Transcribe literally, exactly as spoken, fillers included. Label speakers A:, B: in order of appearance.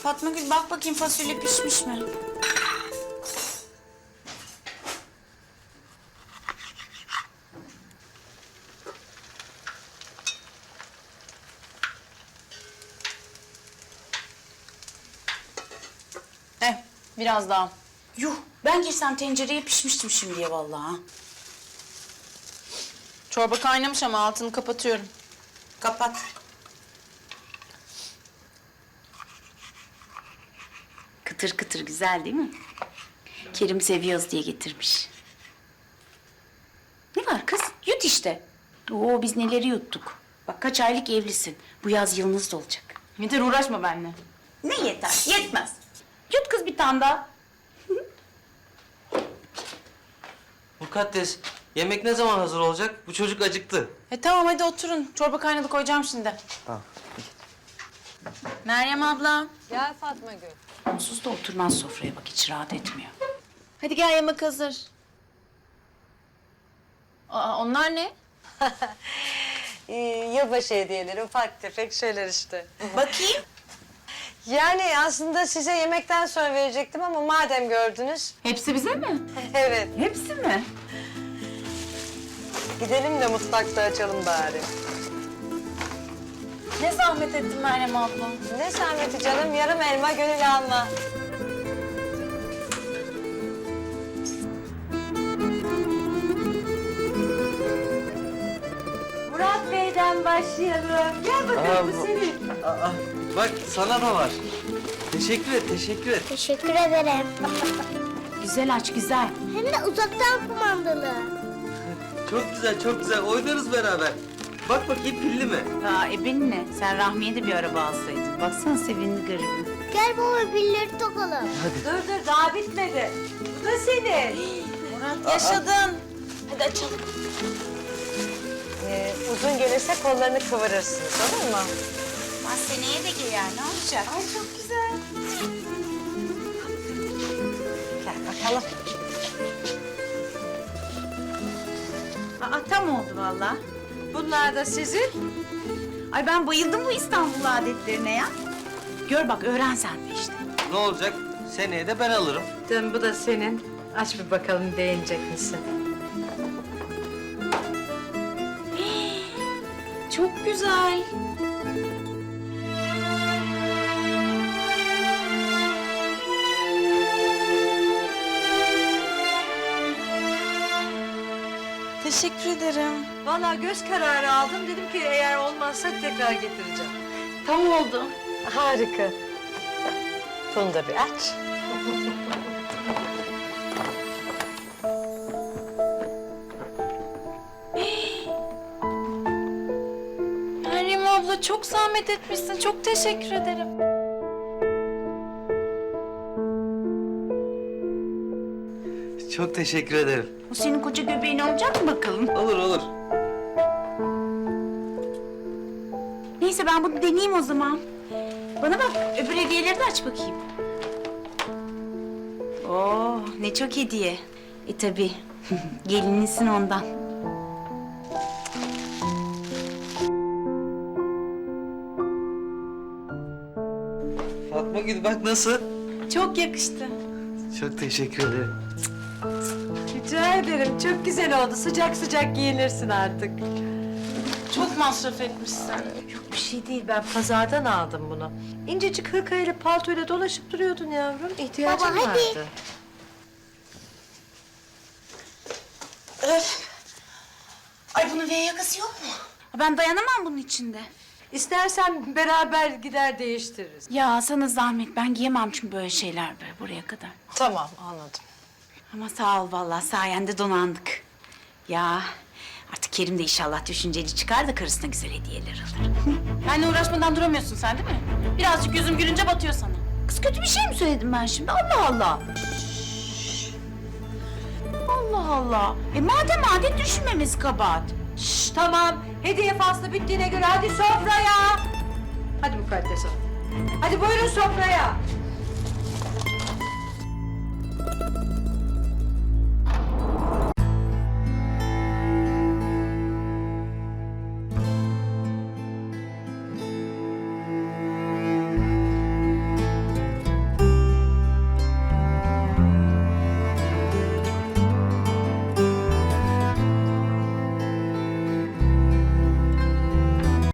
A: Fatma Gül bak bakayım fasulye pişmiş mi?
B: Eh, biraz daha.
A: Yuh ben girsem tencereye pişmiştim şimdiye vallahi. Ha.
B: Çorba kaynamış ama altını kapatıyorum.
A: Kapat. Kıtır kıtır güzel değil mi? Kerim seviyoruz diye getirmiş. Ne var kız? Yut işte. Oo biz neleri yuttuk. Bak kaç aylık evlisin. Bu yaz yılınız da olacak.
B: Yeter uğraşma benimle.
A: Ne yeter? Yetmez. Yut kız bir tane daha.
C: Mukaddes, yemek ne zaman hazır olacak? Bu çocuk acıktı.
B: E tamam hadi oturun. Çorba kaynadı koyacağım şimdi.
C: Tamam.
B: Meryem abla.
D: Gel Fatma Gül.
A: Onsuz da oturmaz sofraya bak hiç rahat etmiyor.
B: Hadi gel yemek hazır. Aa, onlar ne?
D: Ee, yılbaşı hediyeleri, ufak tefek şeyler işte.
A: Bakayım.
D: Yani aslında size yemekten sonra verecektim ama madem gördünüz...
B: Hepsi bize mi?
D: Evet,
A: Hepsi mi?
D: gidelim de mutfakta açalım bari.
B: Ne zahmet ettin Meryem abla.
D: Ne zahmeti canım, yarım elma gönül alma. Murat Bey'den başlayalım. Gel bakalım
C: Aa,
D: bu senin.
C: Aa, bak sana da var. Teşekkür et, teşekkür et.
E: Teşekkür ederim.
A: Güzel aç güzel.
E: Hem de uzaktan kumandalı.
C: Çok güzel, çok güzel. Oynarız beraber. Bak bakayım pilli mi?
A: Aa ebenin ne? Sen Rahmi'ye de bir araba alsaydın. Baksana sevindi garibim.
E: Gel baba pilleri takalım.
D: Dur dur, daha bitmedi. Bu da senin.
B: Murat yaşadın. Hadi açalım.
D: Ee, uzun gelirse kollarını kıvırırsınız, olur mu?
A: Ama seneye de giyer ne olacak?
D: Ay çok güzel. Gel bakalım.
A: Aa tam oldu vallahi.
D: Bunlar da sizin.
A: Ay ben bayıldım bu İstanbul adetlerine ya. Gör bak öğren sen de işte.
C: Ne olacak? Seneye de ben alırım.
D: Canım bu da senin. Aç bir bakalım beğenecek misin?
A: Çok güzel.
B: Teşekkür ederim.
D: Vallahi göz kararı aldım. Dedim ki eğer olmazsa tekrar getireceğim.
B: Tam oldu.
D: Harika. Bunu da bir aç.
B: Meryem abla çok zahmet etmişsin. Çok teşekkür ederim.
C: Çok teşekkür ederim.
A: Bu senin koca göbeğin olacak mı bakalım?
C: Olur, olur.
A: Neyse ben bunu deneyeyim o zaman. Bana bak öbür hediyeleri de aç bakayım. Oo ne çok hediye. E tabii gelinlisin ondan.
C: Fatma Gül bak nasıl?
B: Çok yakıştı.
C: Çok teşekkür ederim.
D: Rica ederim. Çok güzel oldu. Sıcak sıcak giyinirsin artık.
B: Çok masraf etmişsin.
D: Yok bir şey değil. Ben pazardan aldım bunu. İncecik hırkayla paltoyla dolaşıp duruyordun yavrum. İhtiyacın
E: Baba, hadi.
D: vardı.
A: Öf. Ay bunun V yakası yok mu? Ben dayanamam bunun içinde.
D: İstersen beraber gider değiştiririz.
A: Ya sana zahmet ben giyemem çünkü böyle şeyler böyle buraya kadar.
D: Tamam anladım.
A: Ama sağ ol vallahi sayende donandık. Ya artık Kerim de inşallah düşünceli çıkar da karısına güzel hediyeler alır.
B: Benle uğraşmadan duramıyorsun sen değil mi? Birazcık yüzüm gülünce batıyor sana.
A: Kız kötü bir şey mi söyledim ben şimdi? Allah Allah. Allah Allah. E madem adet düşünmemiz kabahat.
D: Şş, tamam. Hediye faslı bittiğine göre hadi sofraya. Hadi Mukaddes Hanım. Hadi buyurun sofraya.